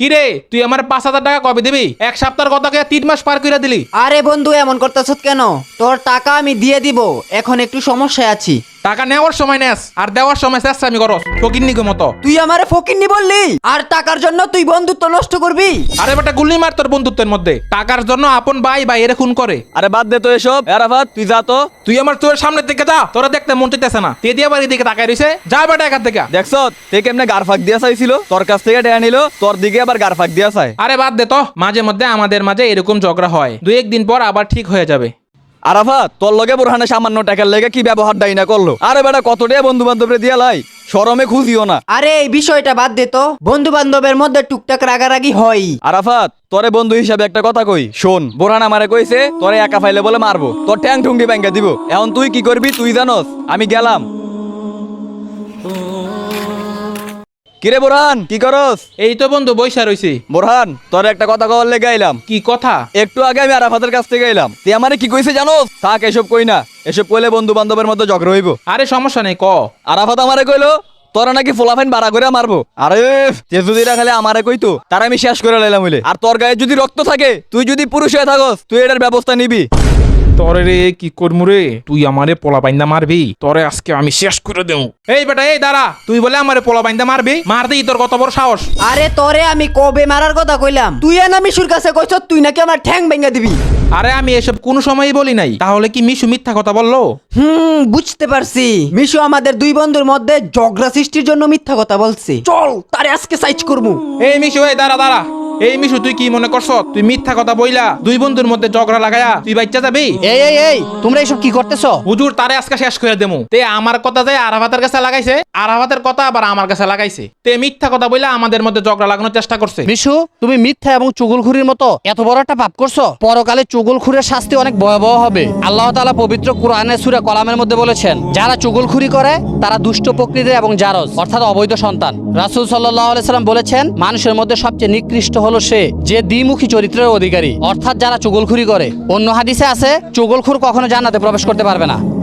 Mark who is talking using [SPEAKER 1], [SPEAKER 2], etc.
[SPEAKER 1] কিরে তুই আমার 5,000 টাকা কবে দিবি? এক সপ্তাহের কথা কে 3 মাস পার কইরা দিলি।
[SPEAKER 2] আরে বন্ধু এমন করতেছ কেন? তোর টাকা আমি দিয়ে দিব, এখন একটু সমস্যায় আছি।
[SPEAKER 1] টাকা নেওয়ার সময় নেস আর দেওয়ার সময় চেষ্টা আমি করস ফকিন্নিকে মতো।
[SPEAKER 2] তুই আমারে ফকিন্নি বললি, আর টাকার জন্য তুই বন্ধুত্ব নষ্ট করবি?
[SPEAKER 1] আরে বেটা গুল্লি মার তোর বন্ধুত্বের মধ্যে। টাকার জন্য আপন ভাই ভাইয়েরে খুন করে।
[SPEAKER 3] আরে বাদ দে তো এসব। আরাফাত তুই যা তো।
[SPEAKER 1] তুই আমার তোর সামনের দিকে যা, তোরা দেখতে মন চাইতেছে না। তে দিয়া বাড়ি দিকে তাকাই রইছে, যা বেটা এখান থেকে।
[SPEAKER 3] দেখছ তে কেমনে গারফাক দিয়া চাইছিল, তোর কাছ থেকে টাকা নিল, তোর দিকে আবার গারফাক দিয়া চায়।
[SPEAKER 1] আরে বাদ দে তো, মাঝে মধ্যে আমাদের মাঝে এরকম ঝগড়া হয়, 2-1 দিন পর আবার ঠিক হয়ে যাবে।
[SPEAKER 3] আরাফাত তোর লগে বোরহানে সামান্য টাকার লেগে কি ব্যবহার দাই না করলো। আরে বেটা কত টাকা বন্ধু বান্ধবরে দিয়া লাই, শরমে খুঁজিও না।
[SPEAKER 2] আরে এই বিষয়টা বাদ দে তো, বন্ধু বান্ধবের মধ্যে টুকটাক রাগারাগি হয়।
[SPEAKER 3] আরাফাত তোরে বন্ধু হিসাবে একটা কথা কই শোন, বোরহান আমারে কইছে তোরে একা ফাইলে বলে মারবো, তোর ট্যাং ঠুঙ্গি ব্যাঙ্গা দিব। এখন তুই কি করবি তুই জানোস। আমি গেলাম। কিরে বোরহান কি করস?
[SPEAKER 1] এই তো বন্ধু বইসা রইছি।
[SPEAKER 3] বোরহান তোর একটা কথা কওয়ার লেগে আইলাম।
[SPEAKER 1] কি কথা?
[SPEAKER 3] একটু আগে আমি আরাফাতের কাছ থেকে এলাম, তুই আমারে কি কইছে জানোস? থাক এসব কই না, এসব কইলে বন্ধু বান্ধবের মধ্যে ঝগড়া হইব।
[SPEAKER 1] আরে সমস্যা নেই, ক।
[SPEAKER 3] আরাফাত আমারে কইলো তোরা নাকি ফোলাফাইন বাড়া করে মারবো। আরে তেজুদিরা খালি আমারে কইতো, তার আমি শেষ করে লাইলাম হইলে। আর তোর গায়ে যদি রক্ত থাকে, তুই যদি পুরুষ হয়ে থাকস, তুই এটার ব্যবস্থা নিবি।
[SPEAKER 1] তরে রে কি করমু রে, তুই আমারে পোলা বাইন্দা মারবি, তরে আজকে আমি শেষ করে দেব। এই বেটা এই দাঁড়া, তুই বলে আমারে পোলা বাইন্দা মারবি? মার দেই, তোর কত বড় সাহস?
[SPEAKER 2] আরে তোরে আমি কবে মারার কথা কইলাম? তুই না মিশুর কাছে কইছ তুই নাকি আমার ঠ্যাং ভেঙে দিবি।
[SPEAKER 1] আরে আমি এসব কোনো সময়ই বলি নাই, তাহলে কি মিশু মিথ্যা কথা বললো?
[SPEAKER 2] বুঝতে পারছি, মিশু আমাদের দুই বন্ধুর মধ্যে ঝগড়া সৃষ্টির জন্য মিথ্যা কথা বলছে। চল তারে আজকে সাইজ করবো।
[SPEAKER 1] এই মিশু এই দাঁড়া দাঁড়া। এই মিশু তুই কি মনে করছ তুই মিথ্যা কথা বইলা দুই বন্ধুর মধ্যে ঝগড়া লাগায়া তুই বাচ্চা যাবি?
[SPEAKER 4] এই তোমরা এসব কি করতেছো?
[SPEAKER 1] হুজুর তারে আজকে শেষ করে দেমু। তে আমার কথা যায় আরাফাতের কাছে লাগাইছে, আরাফাতের কথা আবার আমার কাছে লাগাইছে। তে মিথ্যা কথা বইলা আমাদের মধ্যে ঝগড়া লাগানোর চেষ্টা করছে।
[SPEAKER 4] মিশু তুমি মিথ্যা এবং চুগলখুরির মতো এত বড় একটা পাপ করছো, পরকালে চুগলখুরের শাস্তি অনেক ভয়াবহ হবে। আল্লাহ তাআলা পবিত্র কোরআনের সূরা কলামের মধ্যে বলেছেন, যারা চুগলখুরি করে তারা দুষ্ট প্রকৃতির এবং জারজ অর্থাৎ অবৈধ সন্তান। রাসূল সাল্লাল্লাহু আলাইহি সাল্লাম বলেছেন, মানুষের মধ্যে সবচেয়ে নিকৃষ্ট হলো সে যে দ্বিমুখী চরিত্রের অধিকারী, অর্থাৎ যারা চুগলখুরি করে। অন্য হাদিসে আছে চুগলখুর কখনো জান্নাতে প্রবেশ করতে পারবে না।